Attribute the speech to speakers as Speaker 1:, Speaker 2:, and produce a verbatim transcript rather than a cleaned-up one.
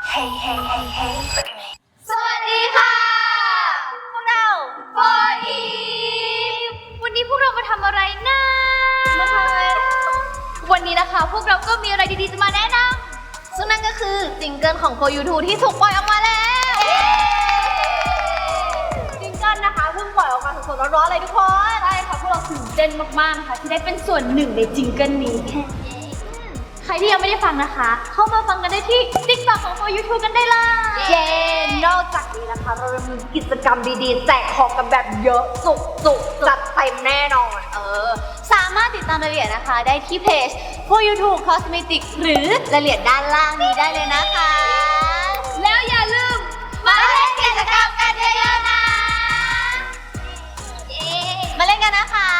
Speaker 1: Hey hey hey hey
Speaker 2: สวัสดีค่ะพวกเราโฟอีฟวันนี้พวกเรามาทำอะไรนะมาทำอะไรวันนี้นะคะพวกเราก็มีอะไรดีๆจะมาแนะนำซึ่งนั่นก็คือซิงเกิลของ โฟร์ ยู ทู ที่ถูกปล่อยออกมาแล้วซิงเกิลนะคะเพิ่งปล่อยออกมาสดๆร้อนๆเลยทุกคนใช่ค่ะพวกเราตื่นเต้นมากๆนะคะที่ได้เป็นส่วนหนึ่งในซิงเกิลนี้แค่ใครที่ยังไม่ได้ฟังนะคะ เข้ามาฟังกันได้ที่ ติ๊กต็อก ของ โฟร์ ยู ทู กันได้เลยเย้นอกจากนี้นะคะเรายังมีกิจกรรมดีๆแจกของกันแบบเยอะสุกๆจัดเต็มแน่นอนเออสามารถติดตามรายละเอียดนะคะได้ที่เพจ โฟร์ ยู ทู Cosmetics หรือรายละเอียดด้านล่างนี้ได้เลยนะคะแล้วอย่าลืมมาเล่นกิจกรรมกันเยอะๆนะเย้มาเล่นกันนะคะ